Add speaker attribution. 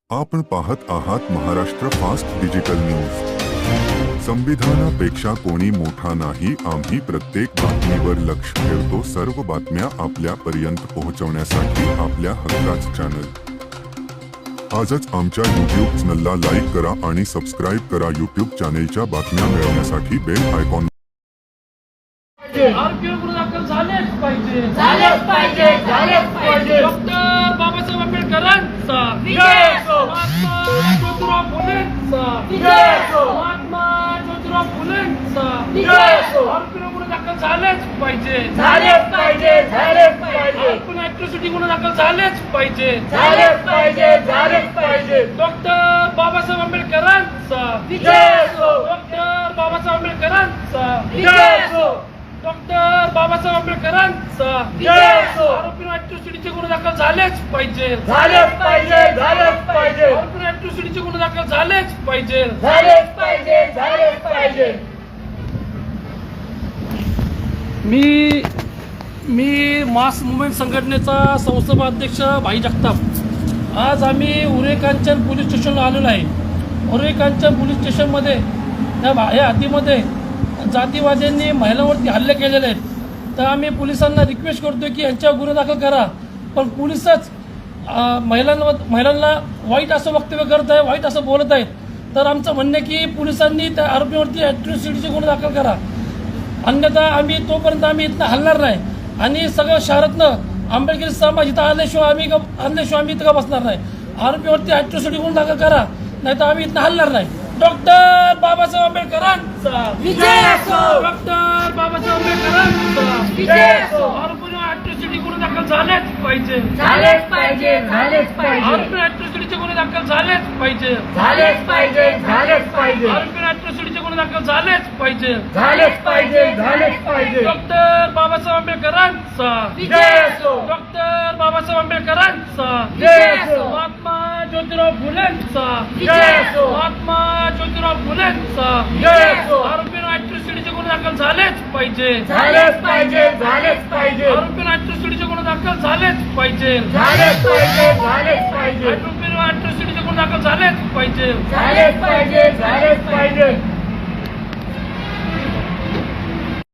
Speaker 1: आपण पाहत आहात महाराष्ट्र फास्ट डिजिटल न्यूज। संविधानापेक्षा कोणी मोठा नाही। आम्ही प्रत्येक बातमीवर लक्ष ठेवतो। सर्व बातम्या आपल्यापर्यंत पोहोचवण्यासाठी आपल्या हक्काचं चॅनल आजच आमच्या YouTube चॅनलला लाईक करा आणि सबस्क्राइब करा। YouTube चॅनलच्या बातम्या मिळवण्यासाठी बेल आयकॉन
Speaker 2: डॉक्टर बाबासाहेब आंबेडकरांचा महात्मा ज्योतिराव फुलेंचा आरोपीवर गुन्हा दाखल झालेच पाहिजे ऍट्रॉसिटी गुन्हा दाखल झालेच पाहिजे डॉक्टर बाबासाहेब आंबेडकरांचा डॉक्टर बाबासाहेब आंबेडकरांचा डॉक्टर बाबासाहेब आंबेडकरांचा आरोपीवर ऍट्रॉसिटीचे गुन्हे दाखल झालेच पाहिजे आरोपीवर ऍट्रॉसिटीचे गुन्हे दाखल झालेच पाहिजे मी मास मुवमेंट संघटनेचा संस्थापक अध्यक्ष भाई जगताप। आज आम्ही उरे कांचन पोलीस स्टेशनला आलेलो आहे। उरे कांचन पोलीस स्टेशनमध्ये या हद्दीमध्ये जातीवाद्यांनी महिलांवरती हल्ले केलेले आहेत। तर आम्ही पोलिसांना रिक्वेस्ट करतोय की यांच्यावर गुन्हा दाखल करा, पण पोलिसच महिलांना वाईट असं वक्तव्य करत आहे, वाईट असं बोलत आहेत। तर आमचं म्हणणं आहे की पोलिसांनी त्या आरोपीवरती ऍट्रॉसिटीचे गुन्हे दाखल करा, अन्यथा आम्ही तोपर्यंत इथं हलणार नाही। आणि सगळं शहरातनं आंबेडकरी समाज इथं आणल्याशिवाय आम्ही इथं का बसणार नाही। आरोपीवरती ऍट्रॉसिटी गुन्हा दाखल करा, नाही तर आम्ही इथं हलणार नाही। डॉक्टर बाबासाहेब आंबेडकरांचा डॉक्टर बाबासाहेब आंबेडकरांचा आरोपीवर ऍट्रॉसिटी गुन्हे दाखल झालेच पाहिजे आरोपीवर ऍट्रॉसिटीचे गुन्हे दाखल झालेच पाहिजे आरोपीवर ऍट्रॉसिटीचे गुन्हे दाखल झालेच पाहिजे डॉक्टर बाबासाहेब आंबेडकरांचा डॉक्टर बाबासाहेब आंबेडकरांचा महात्मा ज्योतिराव फुलेंचा महात्मा ज्योतिराव फुलेंचा आरोपीवर ऍट्रॉसिटीचे गुन्हे दाखल झालेच पाहिजे आरोपीवर ऍट्रॉसिटीचे गुन्हे दाखल झालेच पाहिजे आरोपीवर ऍट्रॉसिटीचे गुन्हे दाखल झालेच पाहिजे